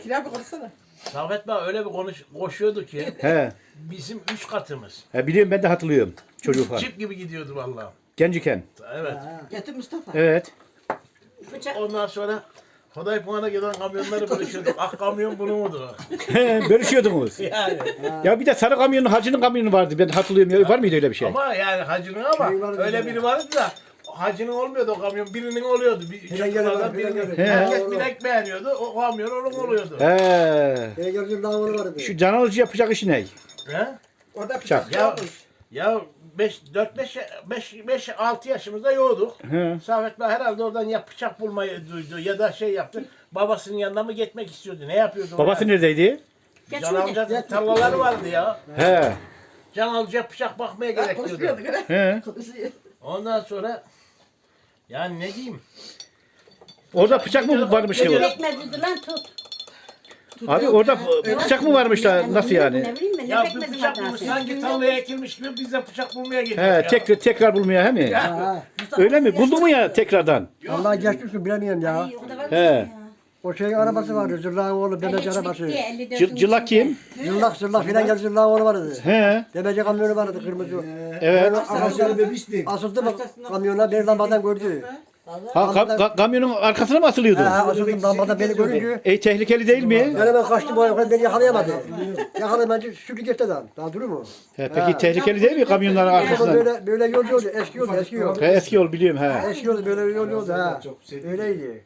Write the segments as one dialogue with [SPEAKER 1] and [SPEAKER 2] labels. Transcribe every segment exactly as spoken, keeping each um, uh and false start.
[SPEAKER 1] Kira bir konuşsana.
[SPEAKER 2] Saffet Bey öyle bir konuş, koşuyordu ki
[SPEAKER 3] He.
[SPEAKER 2] bizim üç katımız.
[SPEAKER 3] He biliyorum ben de hatırlıyorum çocuk var.
[SPEAKER 2] Çip gibi gidiyordu vallahi.
[SPEAKER 3] Genciken.
[SPEAKER 2] Evet.
[SPEAKER 1] Getir Mustafa.
[SPEAKER 3] Evet.
[SPEAKER 2] Ondan sonra Hodaypuan'a gelen kamyonları bölüşüyorduk. Ah kamyon bunu mudur?
[SPEAKER 3] Bölüşüyordunuz.
[SPEAKER 2] Yani.
[SPEAKER 3] Ya bir de sarı kamyonun hacının kamyonu vardı. Ben hatırlıyorum. Ya, var mıydı öyle bir şey?
[SPEAKER 2] Ama yani hacının ama öyle biri vardı da hacının olmuyordu o kamyon. Birinin oluyordu. Bir çocuklardan birinin.
[SPEAKER 3] He.
[SPEAKER 2] Herkes bilek beğeniyordu. O kamyon onun oluyordu.
[SPEAKER 3] He.
[SPEAKER 4] Beni gördüğüm dağları vardı.
[SPEAKER 3] Şu can alıcı yapacak işi ne?
[SPEAKER 2] He?
[SPEAKER 1] Orada
[SPEAKER 3] Bıçak.
[SPEAKER 1] bıçak
[SPEAKER 2] Ya,
[SPEAKER 1] yokmuş.
[SPEAKER 2] ya beş, dört, beş, beş, beş, altı yaşımızda yoğduk.
[SPEAKER 3] He.
[SPEAKER 2] Saffet Bey herhalde oradan ya bıçak bulmayı duydu ya da şey yaptı. Babasının yanına mı gitmek istiyordu? Ne yapıyordu?
[SPEAKER 3] Babası neredeydi?
[SPEAKER 2] Can Alca tarlaları vardı ya.
[SPEAKER 3] He.
[SPEAKER 2] Can Alca bıçak bakmaya
[SPEAKER 1] Ha,
[SPEAKER 2] gerekiyordu.
[SPEAKER 1] konuşmuyorduk öyle.
[SPEAKER 3] He.
[SPEAKER 1] Konuşuyor.
[SPEAKER 2] Ondan sonra yani ne diyeyim?
[SPEAKER 3] Orada bıçak mı varmış
[SPEAKER 2] Ne
[SPEAKER 3] ki?
[SPEAKER 2] diyor?
[SPEAKER 5] Pekmezi lan tut.
[SPEAKER 3] Abi orada bıçak mı varmış da nasıl yani?
[SPEAKER 5] Ne bileyim ben
[SPEAKER 2] Ya
[SPEAKER 5] ne
[SPEAKER 2] bir
[SPEAKER 5] pekmezi
[SPEAKER 2] bıçak
[SPEAKER 5] var
[SPEAKER 2] bulmuş
[SPEAKER 5] zaten.
[SPEAKER 2] sanki tarlaya ekilmiş gibi biz de bıçak bulmaya geliyoruz
[SPEAKER 3] He,
[SPEAKER 2] ya.
[SPEAKER 3] tekrar tekrar bulmaya he mi?
[SPEAKER 4] Ha.
[SPEAKER 3] Öyle mi? Buldu mu ya tekrardan?
[SPEAKER 4] Allah geçmişsin bilemiyorum ya.
[SPEAKER 5] Ay, o da var
[SPEAKER 3] He.
[SPEAKER 5] ya.
[SPEAKER 4] O şeyin arabası vardı. Zırlağın oğlu Demeci
[SPEAKER 5] elli
[SPEAKER 4] arabası.
[SPEAKER 5] bitti, elli dördün
[SPEAKER 3] Cı- Cılak kim?
[SPEAKER 4] Zırlak zırlak filan gel zırlağın oğlu vardı.
[SPEAKER 3] He.
[SPEAKER 4] Demeci kamyonu vardı kırmızı.
[SPEAKER 3] Evet.
[SPEAKER 4] Asıldı, asıldı mı kamyona bir lambadan gördü.
[SPEAKER 3] Ha, ka- ka- kamyonun arkasına mı asılıyordu?
[SPEAKER 4] Ha asıldım lambadan beni görünce.
[SPEAKER 3] Ey tehlikeli değil mi?
[SPEAKER 4] Ben hemen kaçtım bu ayakkabı beni yakalayamadı. Yakalamayınca sürdü geçti adam. Daha durur mu?
[SPEAKER 3] He, peki tehlikeli değil mi kamyonların
[SPEAKER 4] Ama
[SPEAKER 3] arkasından?
[SPEAKER 4] böyle böyle yol yoldu. Eski yoldu eski yol.
[SPEAKER 3] He, eski yol biliyorum he.
[SPEAKER 4] Eski yoldu böyle yol yoldu ha. Öyleydi.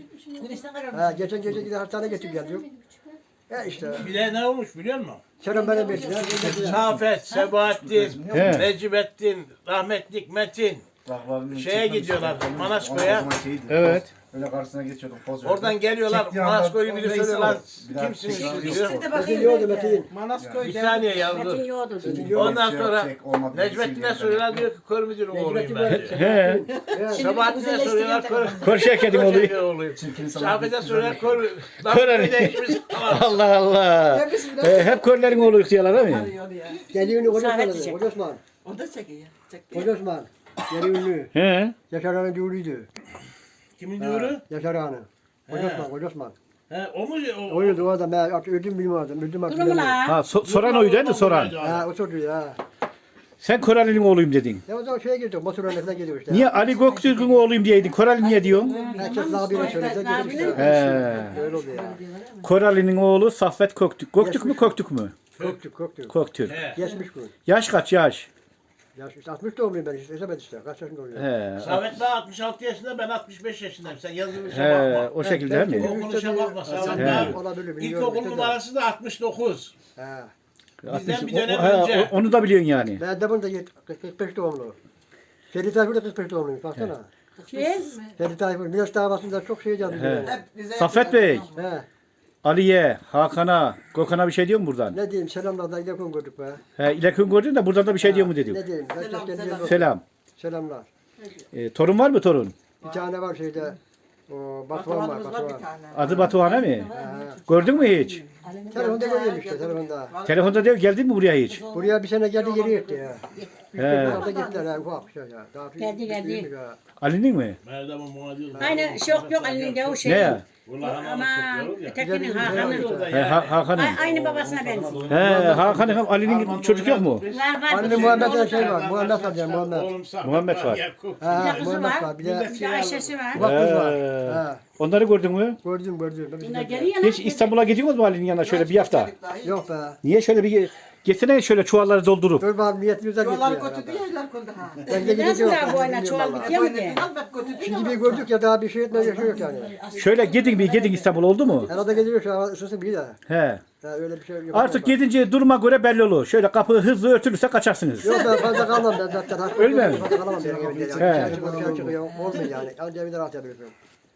[SPEAKER 4] Ha geçen gece gidip hastaneye getirip geldik. Ya işte.
[SPEAKER 2] Bir de ne olmuş biliyor musun?
[SPEAKER 4] Selam benim bir.
[SPEAKER 2] Safet, Sebahattin,
[SPEAKER 3] He.
[SPEAKER 2] Necmettin, rahmetlik Metin şeye gidiyorlar Manasko'ya.
[SPEAKER 3] Evet.
[SPEAKER 6] Öyle karşısına geçiyordum poz
[SPEAKER 2] Oradan geliyorlar Manasko'yu biri soruyorlar. Kimsiniz siz diyor.
[SPEAKER 1] Şimdi
[SPEAKER 4] Metin yoldu
[SPEAKER 1] bakayım.
[SPEAKER 4] Metin.
[SPEAKER 1] Manaskoy
[SPEAKER 2] Bir
[SPEAKER 1] geldi.
[SPEAKER 2] saniye yavrum.
[SPEAKER 5] Metin yoğurdu.
[SPEAKER 2] Ondan sonra Necmettin'e soruyorlar diyor ki kör müdür oğluyum ben diyor.
[SPEAKER 3] He.
[SPEAKER 2] Sebahattin'e soruyorlar kör.
[SPEAKER 3] Kör şeketim oluyor.
[SPEAKER 2] Kör oğluyum. Safet'e soruyorlar kör.
[SPEAKER 3] Kör
[SPEAKER 2] Lan
[SPEAKER 3] hani.
[SPEAKER 2] değişmiş.
[SPEAKER 3] Allah Allah.
[SPEAKER 1] Hepsi
[SPEAKER 3] He, hep körlerin oğlu diyorlar değil mi?
[SPEAKER 1] arıyor ya.
[SPEAKER 4] Deli ünlü Koca
[SPEAKER 5] Samet
[SPEAKER 4] Osman.
[SPEAKER 5] diyecek.
[SPEAKER 4] Koca Osman.
[SPEAKER 1] O da çekiyor. Çekiyor.
[SPEAKER 4] Koca Osman. Deli ünlü.
[SPEAKER 3] He.
[SPEAKER 4] Yaşar Ağa'nın düğünüydü.
[SPEAKER 2] Kimin diyoru?
[SPEAKER 4] Yaşar Ağa'nın. Koca
[SPEAKER 2] He.
[SPEAKER 4] Osman, Koca Osman.
[SPEAKER 2] He, o mu? O,
[SPEAKER 4] Oydu o adam. Ben artık öldüm bilmiyordum. Öldüm artık.
[SPEAKER 5] Durumu
[SPEAKER 4] bilmiyorum.
[SPEAKER 5] la.
[SPEAKER 3] Ha so- soran oydu değil mi soran?
[SPEAKER 4] Ha o sordu ya.
[SPEAKER 3] Sen Korali'nin oğluyum dedin.
[SPEAKER 4] Ya o zaman şeye girdik. Motorun önüne gidiyor işte.
[SPEAKER 3] Niye Ali Göktürk'ün oğluyum diyeydin? Korali niye diyorsun?
[SPEAKER 4] Herkes daha bir söyledi. Girdik işte.
[SPEAKER 3] He.
[SPEAKER 4] Öyle oldu ya.
[SPEAKER 3] Korali'nin oğlu Saffet Köktürk. Göktürk mü Köktürk mü?
[SPEAKER 4] Korktuk korktuk.
[SPEAKER 3] Köktürk.
[SPEAKER 2] He.
[SPEAKER 4] Geçmiş bu.
[SPEAKER 3] Yaş kaç yaş?
[SPEAKER 4] Ya işte altmış doğumluyum ben işte. Hesap işte. Kaç yaşında oluyor?
[SPEAKER 3] He.
[SPEAKER 2] Samet daha altmış altı yaşında ben altmış beş yaşındayım. Sen yazılışa
[SPEAKER 3] He,
[SPEAKER 2] bakma.
[SPEAKER 3] o şekilde değil mi?
[SPEAKER 2] Okunuşa bakma. Samet
[SPEAKER 3] He.
[SPEAKER 2] daha
[SPEAKER 4] Olabilir.
[SPEAKER 2] ilkokul numarası da altmış dokuz.
[SPEAKER 4] Ha.
[SPEAKER 2] Bizden bir
[SPEAKER 3] O- o-
[SPEAKER 2] dönem
[SPEAKER 3] he,
[SPEAKER 2] önce.
[SPEAKER 3] o- onu da biliyorsun yani.
[SPEAKER 4] Ben de bunu da kırk beş doğumlu. Ferdi Tayfur da kırk beş doğumluymuş. Baksana.
[SPEAKER 5] Kim?
[SPEAKER 4] Ferdi Tayfur. Miraç davasında çok şey yazdı.
[SPEAKER 3] He.
[SPEAKER 1] Hep bize
[SPEAKER 3] Saffet Bey,
[SPEAKER 4] He.
[SPEAKER 3] Ali'ye, Hakan'a, Gökhan'a bir şey diyor mu buradan?
[SPEAKER 4] Ne diyeyim selamlar da yakın gördük be.
[SPEAKER 3] He, İlekün gördün de buradan da bir şey diyor mu dedim.
[SPEAKER 4] Ne diyeyim? Herkes
[SPEAKER 1] Selam,
[SPEAKER 4] kendi
[SPEAKER 1] selam.
[SPEAKER 4] yerine-
[SPEAKER 3] Selam.
[SPEAKER 4] Selamlar.
[SPEAKER 3] E, torun var mı torun?
[SPEAKER 4] Bir tane var şeyde. O Batuhan var.
[SPEAKER 1] Batuhan'ımız var bir
[SPEAKER 4] Batuhan.
[SPEAKER 1] tane.
[SPEAKER 3] Adı Batuhan'a mı?
[SPEAKER 4] Ha.
[SPEAKER 3] Gördün mü hiç?
[SPEAKER 4] Telefonda görüyorum işte telefonda.
[SPEAKER 3] Telefonda değil, geldin mi buraya hiç?
[SPEAKER 4] Buraya bir sene geldi geri gitti ya. Üç
[SPEAKER 3] He.
[SPEAKER 4] dört yılda gittiler ha ufak bir şey ya. Daha
[SPEAKER 5] Geldi, geldi.
[SPEAKER 4] büyümüş ha.
[SPEAKER 3] Ali'nin mi?
[SPEAKER 2] Merdam'ın muadil.
[SPEAKER 5] Aynı şok yok elinde o şey.
[SPEAKER 3] Ne ya?
[SPEAKER 5] Ama ötekinin Hakan'ın.
[SPEAKER 3] He, ha, Hakan'ın.
[SPEAKER 5] Ay- Aynı babasına benziyor.
[SPEAKER 3] He, Hakan'ın hem Ali'nin çocuk yok mu?
[SPEAKER 5] Var var.
[SPEAKER 4] Anne Muhammed'e şey var. Muhammed var diye Muhammed.
[SPEAKER 3] Muhammed var.
[SPEAKER 4] Ha,
[SPEAKER 5] Bir de kızı
[SPEAKER 4] Muhammed
[SPEAKER 5] var.
[SPEAKER 4] var. Bir de
[SPEAKER 5] Bir de Ayşe'si var.
[SPEAKER 4] ufak kız var.
[SPEAKER 3] He.
[SPEAKER 4] Ha.
[SPEAKER 3] Onları gördün mü?
[SPEAKER 4] Gördüm gördüm. Ben
[SPEAKER 5] Bunlar
[SPEAKER 4] bizim-
[SPEAKER 5] geliyor
[SPEAKER 3] Hiç
[SPEAKER 5] lan.
[SPEAKER 3] İstanbul'a gidiyor mu Ali'nin yanına şöyle bir hafta?
[SPEAKER 4] Yok be.
[SPEAKER 3] Niye şöyle bir getirsene şöyle çuvalları doldurup.
[SPEAKER 4] Dur bakalım niyetimize gitti
[SPEAKER 1] Yolları
[SPEAKER 4] ya.
[SPEAKER 1] kötü değil, yerler kötü ha.
[SPEAKER 4] Ben de
[SPEAKER 5] Neden
[SPEAKER 4] gideceğim.
[SPEAKER 5] sonra bu oyuna çuval bitiyor mu ki?
[SPEAKER 1] Albet kötü değil
[SPEAKER 4] Şimdi
[SPEAKER 1] ama.
[SPEAKER 4] bir gördük ya daha bir şey etmeye yaşıyor yok yani.
[SPEAKER 3] Şöyle gidin bir gidin İstanbul oldu mu?
[SPEAKER 4] Herhalde geliyor şu an ısınsın bir de.
[SPEAKER 3] He.
[SPEAKER 4] Ha, öyle bir şey yok.
[SPEAKER 3] Artık gidince duruma göre belli olur. Şöyle kapı hızlı örtülürse kaçarsınız.
[SPEAKER 4] Yok ben fazla kalmam ben zaten. Hasta
[SPEAKER 3] Öyle mi?
[SPEAKER 4] oluyorum, Fazla kalamam benim evimde yani.
[SPEAKER 3] He.
[SPEAKER 4] Dışarı çıkıyor, dışarı çıkıyor. Olmuyor yani. Anca evinde rahat yapıyorsun.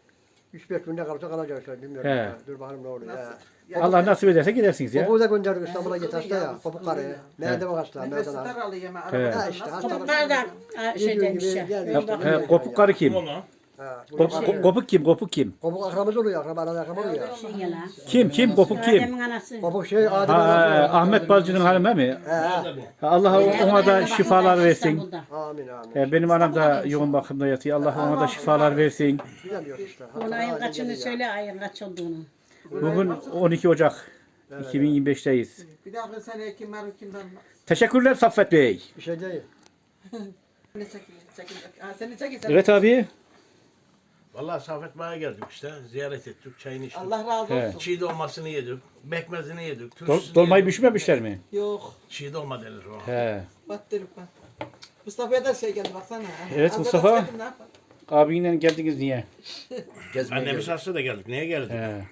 [SPEAKER 4] Üç beş günde kalırsa kalacak işte bilmiyorum.
[SPEAKER 3] He.
[SPEAKER 4] Ya. Dur bakalım ne oluyor. Ya.
[SPEAKER 3] Allah nasip ederse gidersiniz ya.
[SPEAKER 4] Kopuğu da gönderdik İstanbul'a git hasta ya. Kopuk karı. Nerede bu hasta?
[SPEAKER 1] Nefesi
[SPEAKER 4] Nereden al?
[SPEAKER 1] daralıyor hemen.
[SPEAKER 3] He.
[SPEAKER 1] arabadan
[SPEAKER 4] Ha işte
[SPEAKER 1] nasıl-
[SPEAKER 4] hastalık.
[SPEAKER 5] Topuklar da ha, şey
[SPEAKER 4] Geliyor
[SPEAKER 5] demiş
[SPEAKER 4] gibi
[SPEAKER 5] ya.
[SPEAKER 4] geliyor.
[SPEAKER 5] Bir bak-
[SPEAKER 3] He, kopuk karı kim?
[SPEAKER 4] Ha, bu
[SPEAKER 3] Kop,
[SPEAKER 4] karı.
[SPEAKER 3] ko- kopuk kim? Kopuk kim?
[SPEAKER 4] Kopuk akrabamız oluyor. Akraba arada akraba oluyor.
[SPEAKER 5] Şey ya lan.
[SPEAKER 3] Kim? Kim? Kopuk kim?
[SPEAKER 5] Adem'in anası.
[SPEAKER 4] Kopuk şey Adem
[SPEAKER 3] Ha,
[SPEAKER 4] arası.
[SPEAKER 3] Ahmet Balcı'nın hanımı mi?
[SPEAKER 4] He he.
[SPEAKER 3] Allah ona da şifalar versin.
[SPEAKER 5] İstanbul'da.
[SPEAKER 4] Amin amin.
[SPEAKER 3] He, Benim anam da yoğun bakımda yatıyor. Allah ona da şifalar versin.
[SPEAKER 4] Bilemiyoruz işte.
[SPEAKER 5] Onun ayın kaçını söyle ayın kaç olduğunu.
[SPEAKER 3] Bugün on iki Ocak iki bin yirmi beş'teyiz.
[SPEAKER 1] Bir dahaki sene kim var kim var.
[SPEAKER 3] Teşekkürler Saffet Bey.
[SPEAKER 4] Bir şey değil.
[SPEAKER 1] Ne çekiyor? Çekiyor. Ha seni çekiyor.
[SPEAKER 3] Evet abi.
[SPEAKER 2] Vallahi Safet Bey'e geldik işte. Ziyaret ettik. Çayını içtik.
[SPEAKER 1] Allah razı
[SPEAKER 3] He.
[SPEAKER 1] olsun.
[SPEAKER 2] Çiğ dolmasını yedik. Bekmezini yedik.
[SPEAKER 3] Dol,
[SPEAKER 2] turşusunu
[SPEAKER 3] dolmayı
[SPEAKER 2] yedik.
[SPEAKER 3] pişirmemişler mi?
[SPEAKER 1] Yok.
[SPEAKER 2] Çiğ dolma denir o.
[SPEAKER 3] He.
[SPEAKER 1] Battırıp bak. Mustafa'ya da şey geldi baksana.
[SPEAKER 3] Evet,
[SPEAKER 1] Az
[SPEAKER 3] Mustafa.
[SPEAKER 1] evvel söyledim, ne yapalım?
[SPEAKER 3] Abinle geldiniz niye?
[SPEAKER 2] Annemiz hasta da geldik. Neye geldik?
[SPEAKER 3] He.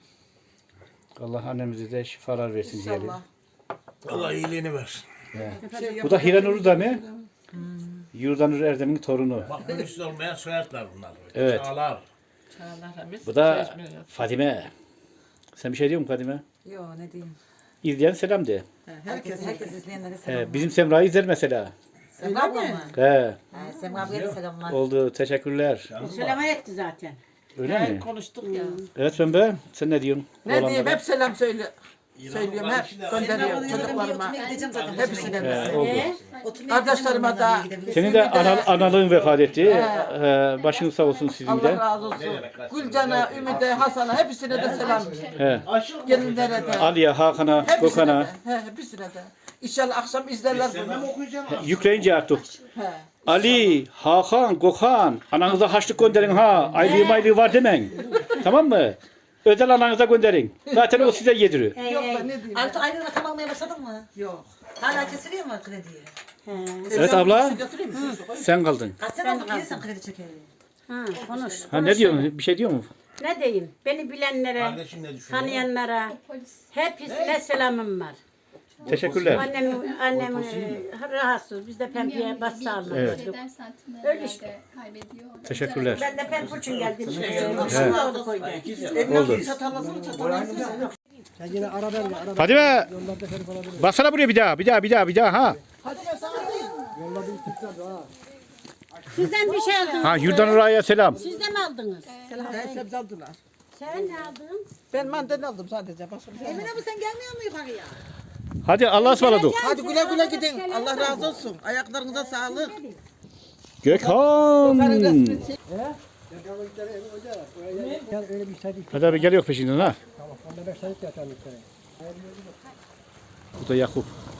[SPEAKER 3] Allah annemize de şifalar versin diyelim.
[SPEAKER 1] İnşallah.
[SPEAKER 2] Allah iyiliğini versin.
[SPEAKER 1] Şey
[SPEAKER 3] Bu da
[SPEAKER 1] yapacak
[SPEAKER 3] Hiranur da
[SPEAKER 1] şey
[SPEAKER 3] ne?
[SPEAKER 1] yok.
[SPEAKER 3] Yurdanur Erdem'in torunu.
[SPEAKER 2] Bak mürüsü olmayan soyadlar bunlar.
[SPEAKER 3] Evet.
[SPEAKER 2] Çağlar.
[SPEAKER 3] Bu da Fadime. Sen bir şey diyor musun Fadime?
[SPEAKER 7] Yo ne diyeyim.
[SPEAKER 3] İzleyen selam de.
[SPEAKER 1] Herkes
[SPEAKER 7] Herkes izleyenlere selamlar.
[SPEAKER 3] He, bizim Semra'yı izler mesela.
[SPEAKER 7] Semra abla mı?
[SPEAKER 3] He.
[SPEAKER 7] He, Semra ablaya da selamlar.
[SPEAKER 3] Oldu. Teşekkürler.
[SPEAKER 5] Selam etti zaten.
[SPEAKER 3] Öyle
[SPEAKER 1] He,
[SPEAKER 3] mi?
[SPEAKER 1] konuştuk ya.
[SPEAKER 3] Evet Pembe. Sen ne diyorsun?
[SPEAKER 1] Ne diyeyim
[SPEAKER 3] Oğlanlara?
[SPEAKER 1] hep selam söyle. Söylüyorum hep gönderiyorum çocuklarıma.
[SPEAKER 7] Oturmaya gideceğim zaten.
[SPEAKER 1] Hepsine
[SPEAKER 3] He,
[SPEAKER 1] de.
[SPEAKER 3] oldu.
[SPEAKER 7] Oturmaya
[SPEAKER 1] Kardeşlerime
[SPEAKER 7] gideceğim, onlarla
[SPEAKER 1] de-
[SPEAKER 7] gidebiliriz.
[SPEAKER 3] Senin de anal, analığın vefat etti. Ee, başınız sağ olsun sizin
[SPEAKER 1] Allah
[SPEAKER 3] de.
[SPEAKER 1] razı olsun. Gülcan'a, Ümit'e, Hasan'a hepsine de selam.
[SPEAKER 3] He.
[SPEAKER 1] Gelinlere de.
[SPEAKER 3] Ali'ye, Hakan'a,
[SPEAKER 1] Hepsine
[SPEAKER 3] Gökhan'a.
[SPEAKER 1] de. He, hepsine de. İnşallah akşam izlerler bunu.
[SPEAKER 3] Yükleyince artık.
[SPEAKER 1] He.
[SPEAKER 3] Ali, Hakan, Gökhan. Ananıza haçlık gönderin ha. Aylığı maylığı var demen. Tamam mı? Özel ananıza gönderin. Zaten o size yediriyor.
[SPEAKER 1] Yok da ne diyeyim.
[SPEAKER 7] Artık aynı rakam almaya başladın mı?
[SPEAKER 1] Yok.
[SPEAKER 7] Hala kesiliyor mu krediyi?
[SPEAKER 3] Evet abla.
[SPEAKER 1] Götüreyim mi?
[SPEAKER 3] Sen kaldın.
[SPEAKER 7] Kaç sene oldu ki sen kredi çekeli?
[SPEAKER 5] Ha, konuş.
[SPEAKER 3] Ha ne diyorsun? Bir şey diyor mu?
[SPEAKER 5] Ne diyeyim? Beni bilenlere,
[SPEAKER 2] Kardeşim ne düşünüyor?
[SPEAKER 5] tanıyanlara hepsine selamım var.
[SPEAKER 3] Teşekkürler.
[SPEAKER 5] Annem, annem e, rahatsız. Biz de pembeye bas sağlık.
[SPEAKER 3] Evet.
[SPEAKER 5] Öyle işte.
[SPEAKER 8] Kaybediyor.
[SPEAKER 3] Teşekkürler.
[SPEAKER 5] Ben de pembe için geldim.
[SPEAKER 3] He. Oldu.
[SPEAKER 1] Çatalasını çatalasını.
[SPEAKER 4] Ya yine ara ben de ara.
[SPEAKER 3] Fadime.
[SPEAKER 4] Yollarda herif olabilir.
[SPEAKER 3] Baksana buraya bir daha. Bir daha bir daha bir daha ha.
[SPEAKER 1] Hadi ben sana diyeyim.
[SPEAKER 4] Yollarda bir tıklar ha.
[SPEAKER 5] Sizden bir şey aldınız.
[SPEAKER 3] Ha Yurdan Ura'ya selam.
[SPEAKER 5] Siz de mi aldınız?
[SPEAKER 1] He, sebze aldılar.
[SPEAKER 5] Sen ne aldın?
[SPEAKER 1] Ben mandalina aldım sadece. Başka bir şey almadım.
[SPEAKER 7] Bu sen gelmiyor mu yukarıya?
[SPEAKER 3] Hadi Allah'a ısmarladık.
[SPEAKER 1] Hadi güle güle gidin. Allah razı olsun. Ayaklarınıza sağlık.
[SPEAKER 3] Gökhan.
[SPEAKER 4] Ya öyle bir saydık.
[SPEAKER 3] Hadi abi geliyor peşinden ha.
[SPEAKER 4] Tamam. Onda beş saydık ya tamam bir kere.
[SPEAKER 3] Bu da Yakup.